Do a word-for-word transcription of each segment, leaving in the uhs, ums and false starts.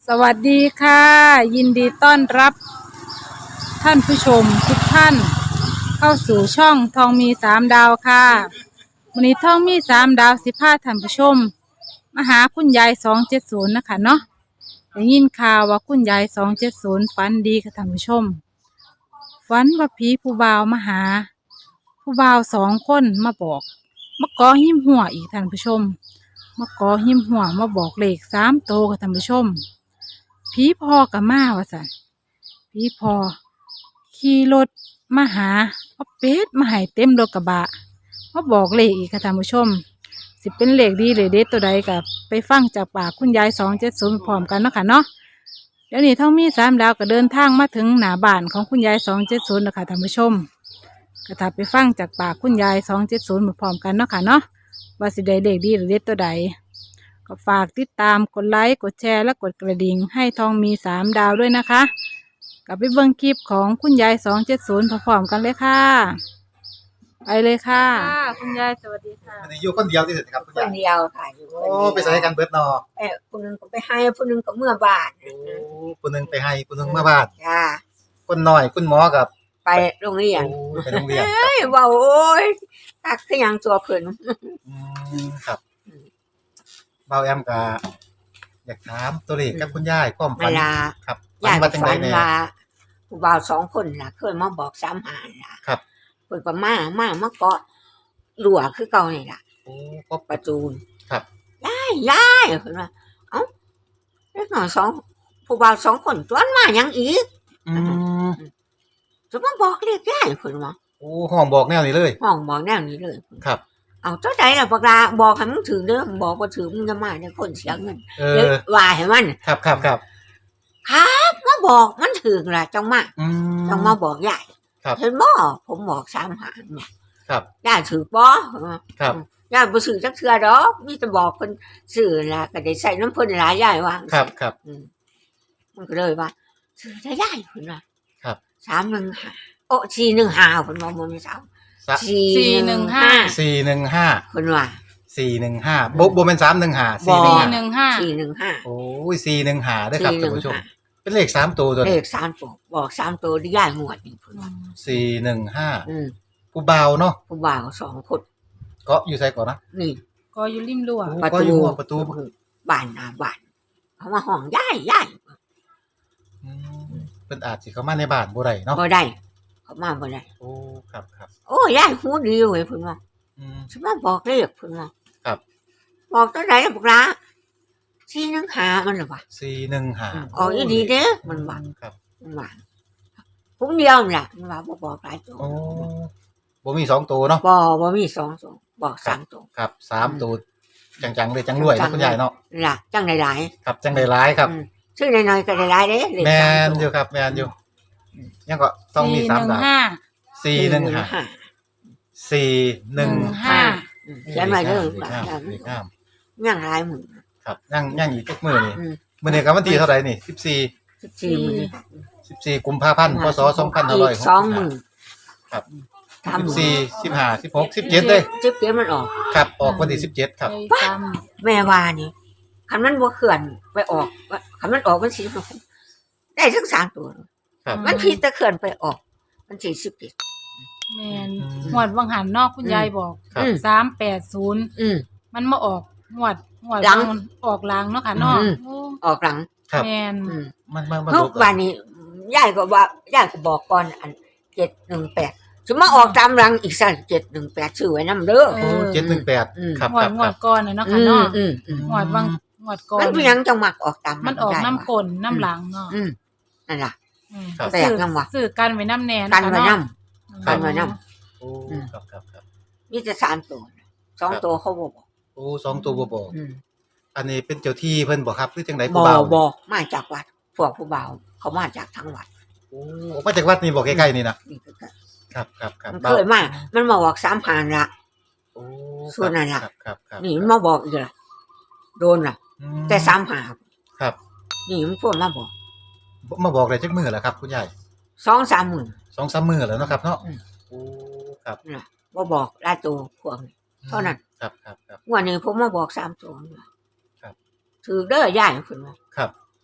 สวัสดีค่ะยินดีต้อนรับท่านผู้ชมทุกท่านเข้าสู่ช่องทองมีสามดาวค่ะวันนี้ทองมีสามดาวสิพาท่านผู้ชมมาหาคุณยายสองเจ็ดศูนย์นะคะเนาะได้ยินข่าวว่าคุณยายสองเจ็ดศูนย์ฝันดีค่ะท่านผู้ชมฝันว่าผีผู้บ่าวมาหาผู้บ่าวสองคนมาบอกมาก่อหิมหัวอีกท่านผู้ชมมาก่อหิมหัวมาบอกเลขสามโตวค่ะท่านผู้ชมผีพอกับมาว่าสันผีพอขี่รถมาหาเอาเป็ดมาให้เต็มรถกระบะมาบอกเลขอีกค่ะท่านผู้ชมสิเป็นเลขดีหรือเด็ดตัวใดกับไปฟังจากปากคุณยายสองเจ็ดศูนย์พร้อมกันเนาะค่ะเนาะเดี๋ยวนี้ท่องมีสามดาวก็เดินทางมาถึงหน้าบ้านของคุณยายสองเจ็ดศูนย์นะคะท่านผู้ชมก็ถ้าไปฟังจากปากคุณยายสองเจ็ดศูนย์พร้อมกันเนาะค่ะเนาะว่าสิได้เลขดีหรือเด็ดตัวใดก็ฝากติดตามกดไลค์กดแชร์และกดกระดิ่งให้ทองมีสามดาวด้วยนะคะกลับไปเบิ่งคลิปของคุณยายสองเจ็ดศูนย์พร้อมๆกันเลยค่ะไปเลยค่ะคุณยายสวัสดีค่ะอันนี้อยู่คนเดียวที่สุดครับคุณานคเดียวค่ะอยู่คนโอ้เดียวไปใส่กันเบิดเนาะเออคนหนึงก็ไปให้คนหนึงก็เมื่อบ้านโอ้คนหนึงไปให้คนหนึงมาบ้านจ้าคนน้อยคุณหมอกับไปโรงเรียนโอ้ไปโรงเรียนครับเอ้ยเว้าโอ้ยตักคือหยังตัวเพิ่นอืมครับเบาแอมก็อยากถามตัวเลขกับคุณยายความเวฝันลาครับย่าฝันว่าจังฝัไดนแน่ว่าผู้บ่าวสองคนน่ะเคยมาบอกสามหาล่ะครับเพิ่นก็มามามาเกาะรั้วคือเก่านี่ล่ะโอ้ก็ประตูนครับยายยายเพิ่นว่าเอ้าเล็กน้อยสองผู้บ่าวสองคนจวนมาหยังอีกอืมจะมาบอกเรียกยายเพิ่นว่าโอ้ห้องบอกแนวนี้เลยห้องบอกแนวนี้เลยครับเอาเจ้าใดล่ะบักลาบอกให้มึงถือเด้อบอกบ่ถือมึงจะมาได้คนเสียเงินเอเลยอว่าให้มันครับครับครับครับมาบอกมันถือล่ะจังมาอืมจังมาบอกยายครับเห็นบ่ผมบอกสามหารบ่ครับยายถือบ่ครับยายบ่ซื้อจักเทื่อดอกมีแต่บอกเพิ่นซื้อล่ะก็ได้ใส่น้ำเพิ่นหลายยายว่าครับครับอืมมันก็เลยว่าซื้อได้ยายเพิ่นว่าครับสามหนึ่งห้าโอ้สี่หนึ่งห้าเพิ่นว่าบ่มีสามสะสี่หนึ่งห้าสี่หนึ่งห้าเพิ่นว่าสี่หนึ่งห้าบ่บ่เป็นสามหนึ่งห้าบ่สี่หนึ่งสี่ห้าหนึ่งห้าสี่หนึ่งห้าโอ้ยสี่หนึ่งห้าด้วยครับท่านผู้ชม เป็นเลขสามตัวตัวเลนี้ขสามตัวบอกสามตัวได้ยายงวดนี่เพิ่นว่าสี่หนึ่งห้าอืมผู้เบาเนาะผู้บ่าวสองคนก็อยู่ใส่ก่อนนะนี่ก็อยู่ริมรั้วโอ้ประก็ตูอยู่หัวประตูบ้านหน้าบ้านเขามาห้องยายยายอืมเป็นอาจสิเข้ามาในบ้านบ่ได้เนาะบ่ได้เขามาบ่ได้โอ้ครับครับโอ้ยายหูดีเว้ยเพิ่นว่าอืมฉันมาบอกเลขเพิ่นว่าครับบอกตัวไหนล่ะบอกละสี่หนึ่งห้ามันล่ะว่าสี่หนึ่งห้าอ๋ออีดีเด้อมันว่าครับมันว่าผมเดียวนั่นล่ะมันว่าบ่บอกหลายตัวโอ้บ่มีสองตัวเนาะบ่บ่มีสองตัวบอกสามตัวครับสามตัวจังๆเลยจังรวยจันะงคุณยายเนาะนั่นล่ะจังหลายครับจังได้หลายครับๆอืมซื้อน้อยๆก็ได้หลายเด้เลขแมสามนตัวอยู่ครับแมนอยู่ยังก็ต้องมีสี่สาหมนึ่งดาวห้าสี่หนึ่งห้าสี่หนึ่งห้าอืมเขียนไว้เด้อเลขห้ามเลขห้ามยังหลายหมื่นครับยังยังอีกจักมื้อนี่อืมมื้อนี้ก็วันที่เท่าไหร่นี่สิบสี่สิบสี่หมื่นสิบสี่กุมภาพันธ์พศสองพันห้าร้อยหกสองสิบหห้ามื่นครับสามหสิบมื่นสี่สิบห้าสิบหกสิบเจ็ดเลยจิ๊บเจ็บมันออกครับออกวันที่สิบเจ็ดครับไปซ้แม่ว่านี่คันมันบ่เขื่อนไปออกคันมันออกมันสิได้ทั้งสามตัวครับมันผิดแต่เขื่อนไปออกมันสี่สิบเอ็ดำแมนหวดวังหันนอกคุณยายบอกครับอืมสามแปดศูนย์อืมมันมาออกหวดหวดหลังมันออกหลังเนาะค่ะเนอกอืมโอ้ออกหลังครับแมนอืมมันมันมันทุกวันนี้ยายก็ว่ายายก็บอกก่อนอันเจ็ดหนึ่งแปดจะมาออกตามหลังอีกสักเจ็ดหนึ่งแปดชื่อไว้นำเด้อโอ้เจ็ดหนึ่งแปดอืมครับหวครัดบหวครัดบก่อนน่ะเนาะค่ะอืเนอมกอืมอืมหวดวังหวดก่อนมันเพียงจังหมักออกตามมันออกได้น้ำว่ะกลนน้ำหลังเนาะอืมนั่นล่ะอืมครับแปลกจังวะสื่อกันไว้น้ำแนนกันไว้นำ กันไว้นโอ้ครับครับครับมีแต่สามตัวสองตัวเขาบ่บอกโอ้สองตัวบ่บอกอืมอันนี้เป็นเจ้าที่เพิ่นบ่ครับหรือจังไดบผู้อเบาบอมาจากวัดพวกผู้บ่าวเขามาจากทั้งวัดโอ้ออกมาจากวัดนี่บ่ใกล้ๆนี่นะนี่คือกันครับครับครับมันเคยมามันมาบอกสามหานละโอ้ส่วนนั้นล่ะครับครับครับนี่มันมาบอกอีกละโดนล่ะอืแต่สามหาครับนี่มันพวกมาบอกมาบอกได้จักมื้อแล้วครับคุณยายสองสามหมื่นสองสามมื้อแล้วเนาะครับเนาะอืมโอ้ครับน่ะว่าบอกหลายตัวพวกนี้ เท่านั้นครับครับครับวันนี้ผมมาบอกสามตัวนี่ล่ะครับถือเด้อย่ายคุณว่าครับ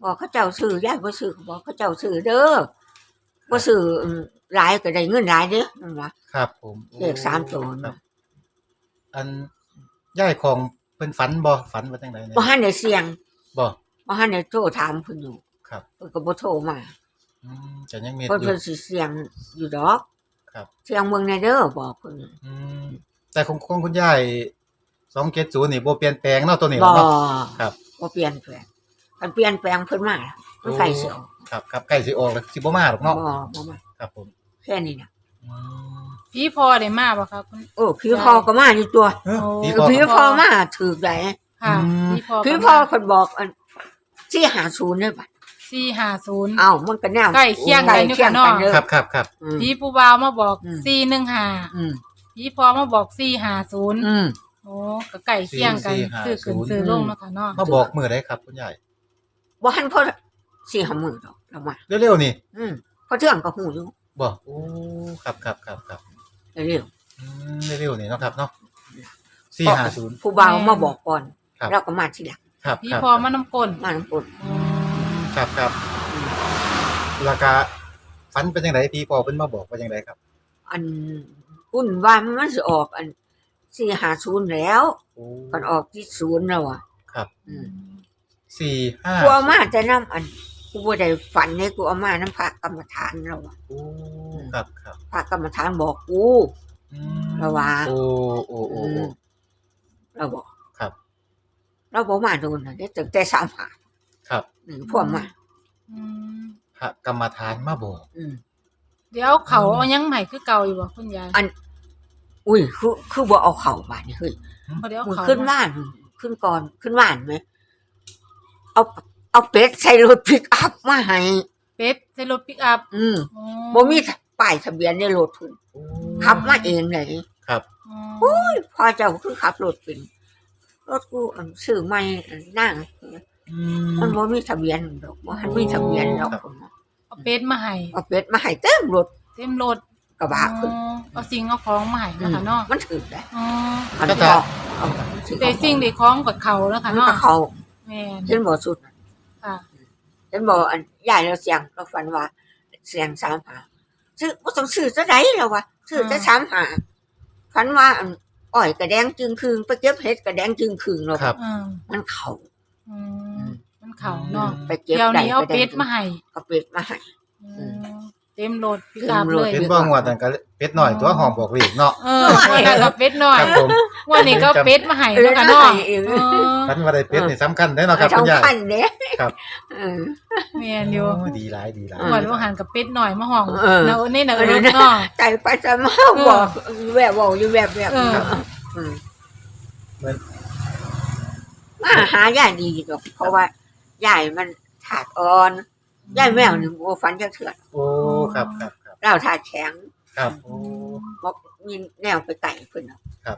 บอกเขาเจ้าซื้อยายบ่ซื้อบอกเขาเจ้าซื้อเด้อบ่ซื้ออืมหลายก็ได้เงินหลายเด้อนั่นว่าครับผมเลขสามตัวครับ อันย่ายของเพิ่นฝันบ่ฝันว่าจังไดเนี่ยบ่ทันได้เสี่ยงบ่บ่ทันได้โทรถามเพิ่นอยู่ครับเพิ่นก็บ่โทรมาอืมจะยังมีเพิ่นอยู่เพิ่นสิเสี่ยงอยู่ดอกครับเสี่ยงเมืองในเด้อบอกเพิ่นอืมแต่ของของคุณยายสองเจ็ดศูนย์นี่บ่เปลี่ยนแปลงเนาะตัวนี้บ่เนาะครับบ่เปลี่ยนแปลงคันเปลี่ยนแปลงเพิ่นมามันใส่เสียวครับครับใกล้สิออกแล้วสิบ่มาหรอกบ่เนาะบ่มาครับผมแค่นี้น่ะอืมพี่พอได้มาบ่ครับคุณโอ้พี่พ่อก็มาอยู่ตัวเอ้อโอ้พี่เอพ่ออพี่พ่อมาถูกได้ค่ะอืมพี่พอพี่พ่อเพิ่นบอกอันที่หาศูนย์เด้อบัดสี่ห้าศูนย์เอ้ามันก็แนวใกล้เคียงกันอยู่ใกล้เคียงค่ะกันเนาะเด้อครับครับครับอืมพี่ผู้บ่าวมาบอกอืมสี่หนึ่งห้าอืมพี่พอมาบอกสี่ห้าศูนย์อืมโอ้ก็ใกล้เคียงกันซื้อขึ้นซื้อลงเนาะค่ะเนาะมาบอกมื้อใดครับคุณยายบ่ทันพอสี่ห้ามื้อดอกเรามาเร็วๆนี่อืมพอเทื่องก็ฮู้อยู่บ่โอ้ครับครับครับครับเร็วอืมเร็วๆนี่เนาะครับเนาะๆสี่ห้าศูนย์ผู้บ่าวมาบอกก่อนครับแล้วก็มาทีหลังครับพี่ครับพอมาน้ำกลนมาน้ำปุ่นอืมครับครับแล้วก็ฝันเป็นจังไดพี่พ่อเพิ่นมาบอกว่าจังไดครับอันอุ่นว่ามันสิออกอันสี่ห้าศูนย์แล้วโอ้ก่อนออกที่ศูนย์แล้วอ่ะครับอืมสี่ห้ากูเอามาแต่น้ำอันกูบ่ได้ฝันให้กูเอามาน้ำพระกรรมฐานแล้วอ่ะโอ้ครับครับพระกรรมฐานบอกกูอืมระวังโอ้โอ้โอ้อืโอ้มเราบอกครับเราบอกมาโดนนะได้ตั้งแต่สามหาครับอืมพวกมาอืมพระกรรมฐานมาบอกอืมเดี๋ยวเขาเอายังใหม่คือเก่าอยู่บ่คุณยายอัน อุ้ยคือคือบ่เอาเข่าบาดนี่เฮ้ยบ่ได้เอามือเขาขึ้นบ้านขึ้นก่อนขึ้นบ้านไหมเอาเอาเป็ดใส่รถพิกอัพมาให้เป็ดใส่รถปิกอัพอืมอ๋อบ่มีป้ายทะเบียนในรถเพิ่นโอ้ขับมาเองเลยครับอ๋อพอเจ้าคือขับรถเป็นรถกูอันซื้อใหม่อันนั่งอืมมันบ่มีทะเบียนดอกบ่ทันมีทะเบียนดอกครับเพิ่นน่ะเอาเป็ดมาให้เอาเป็ดมาให้เต็มรถเต็มรถกระบะเพิ่นอ๋อเอาสิ่งเอาของมาให้เนาะค่ะเนาะมันถือได้อ๋อมันก็ก็จะเอาถือแต่สิ่งที่ของกับเขาแล้วมัค่ะนเนาะก็เขาแม่นเห็นบ่สุดค่ะเห็นบ่อันยายเราเสียงเราฝันว่าเสียงสามหาซื้อบ่ต้องซื้อซะไดแล้ววะซื้อจะสามหาฝันว่าอันอ้อยกระแดงจึงคืนไปเก็บเห็ดกระแดงจึงคืนแล้วครับอืมมันเขาอืมมันเขาเนาะไปเก็บเดี๋ยวได้นี้เอากระแดงเป็ดมาให้เอาเป็ดมาให้อืมเต็มรถปิกอัพเต็มรเลถยเห็นบ่งวดนั่นก็เป็ดน้อยตัวหอมบอกเลขเนาะเออวันนั้นก็เป็ดน้อยครับผมวันนี้ก็เป็ดมาให้เนาะค่ะเนาะเออฝันว่าได้เป็ดนี่สำคัญเด้อเนาะครับคุณยายสำคัญเด้ครับเออแม่นอยู่โอ้ดีหลายดีหลายเออวันว่าหันกับเป็ดหน่อยมาห้องเออเนาะนี่เนาะเออเนาะใจไปจะมาบอกแวบบอกอยู่แวบแวบเอออืมเหมือนมาหายายดีดอก เพราะว่ายายมันถาดอ่อนยายแมวหนึ่งโอ้ฟันจะเถื่อนโอ้ครับครับครับเราถาดแข็งครับโอ้บอกมีแนวไปไก่เพิ่นน่ะครับ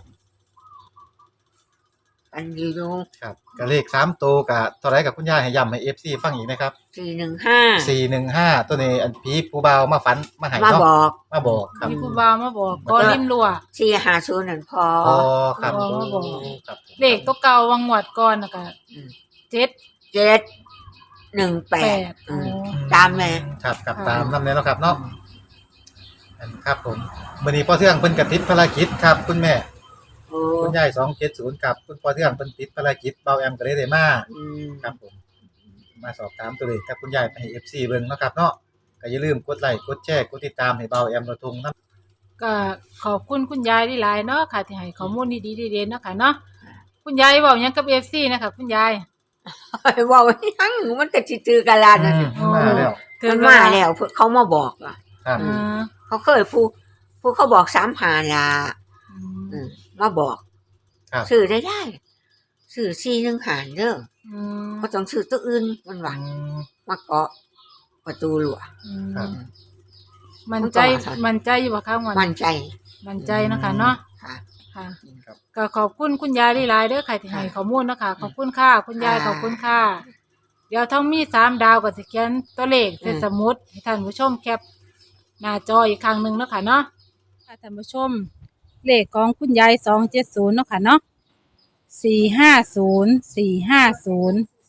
อันดีดูครับก็เลขสามตัวก็เท่าไหร่กับคุณยายให้ย้ำให้ เอฟ ซี ฟังอีกนะครับสี่หนึ่งห้าสี่หนึ่งห้าตัวนี้อันผีผู้บ่าวมาฝันมาให้มาเนาะบอกมาบอกครับมีผู้บ่าวมาบอกก็ริมรั้วสี่หาศูนย์นั่นพออ๋อครับอ๋อมาบอกครับเลขตัวเก่าวังหวัดก่อนน่ะก็อืมเจ็ดเจ็ดหนึ่งแปแปดดอ๋อตามแม่ครับครับค่ะตามนำแน่เนาะครับเนาะอันครับผมมื้อนี้พ่อเทืองเพิ่นก็ติดภารกิจครับคุณแม่โอ้คุณยายสองเจ็ดศูนย์ครับคุณพ่อเทืองเพิ่นติดภารกิจเบาแอมก็เลยได้มาอืมครับผมมาสอบถามตัวเลขกับคุณยายไปให้ เอฟ ซี เบิ่งเนาะครับเนาะก็อย่าลืมกดไลค์กดแชร์กดติดตามให้เบาแอมระทงนำก็ขอบคุณคุณยายหลายๆเนาะค่ะที่ให้ข้อมูลดีๆเด่นๆเนาะค่ะเนาะคุณยายเว้าหยังกับ เอฟ ซี นะคะคุณยายว่ายังมันก็สิถือกันลานนั่นอืมมาแล้วมันมาแล้วเพิ่นเขามาบอกอ่ะครับอ่าเขาเคยผู้ผู้เขาบอกสามหาล่ะอืมอืมมาบอกครับซื้อได้ได้ซื้อสี่หนึ่งหารเด้ออืมบ่ต้องซื้อตัวอื่นมันว่าอืมมาเกาะประตูหลวอืมครับมันใจมันก็ว่ามันใจอยู่บ่คะวันมั่นใจมันใจเนาะคะเนาะค่ะค่ะครับก็ขอบคุณคุณยายหลายๆเด้อค่ะที่ให้ข้อมูลเนาะคะขอบคุณค่ะคุณยายค่ะขอบคุณค่ะ เดี๋ยวทั้งมีสามดาวก็สิเขียนตัวเลขใส่อืมสมุดให้ท่านผู้ชมแคปหน้าจออีกครั้งหนึ่งเนาะค่ะเนาะค่ะท่านผู้ชม เลขของคุณยายสองเจ็ดศูนย์เนาะค่ะเนาะสี่ห้าศูนย์สี่ห้าศูนย์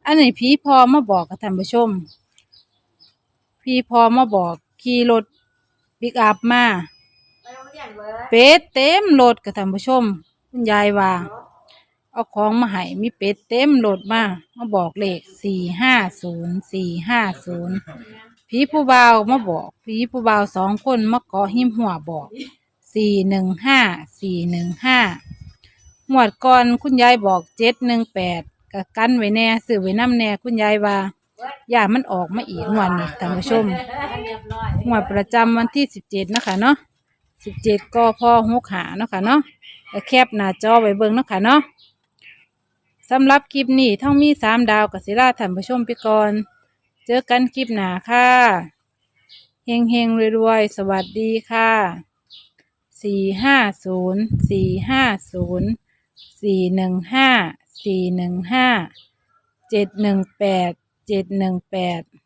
อันนี้ผีพอมาบอกกับท่านผู้ชมผีพอมาบอกขี่รถปิกอัพมาเป็ดเต็มรถกับท่านผู้ชมคุณยายว่าเอาของมาให้มีเป็ดเต็มรถมามาบอกเลขสี่ห้าศูนย์สี่ห้าศูนย์ผีผู้บ่าวมาบอกผีผู้บ่าวสองคนมาเกาะหิมหัวบอกสี่หนึ่งห้าสี่หนึ่งห้าหมวดก่อนคุณยายบอกเจ็ดหนึ่งแปดกับกันไว้แน่ซื้อไว้น้ำแน่คุณยายว่าอย่ามันออกมาอีกงวดนี้ท่านผู้ชมงวดประจำวันที่สิบเจ็ดนะคะเนาะสิบเจ็ดก็พอหกหาเนาะค่ะเนาะแล้วแคบหน้าจอไว้เบิ่งเนาะค่ะเนาะสำหรับคลิปนี้ท่องมีสามดาวกับศิลาท่านผู้ชมไปก่อนเจอกันคลิปหน้าค่ะเฮงเฮงรวยๆสวัสดีค่ะสี่ห้าศูนย์สี่ห้าศูนย์สี่หนึ่งห้าสี่หนึ่งห้าเจ็ดหนึ่งแปดเจ็ดหนึ่งแปด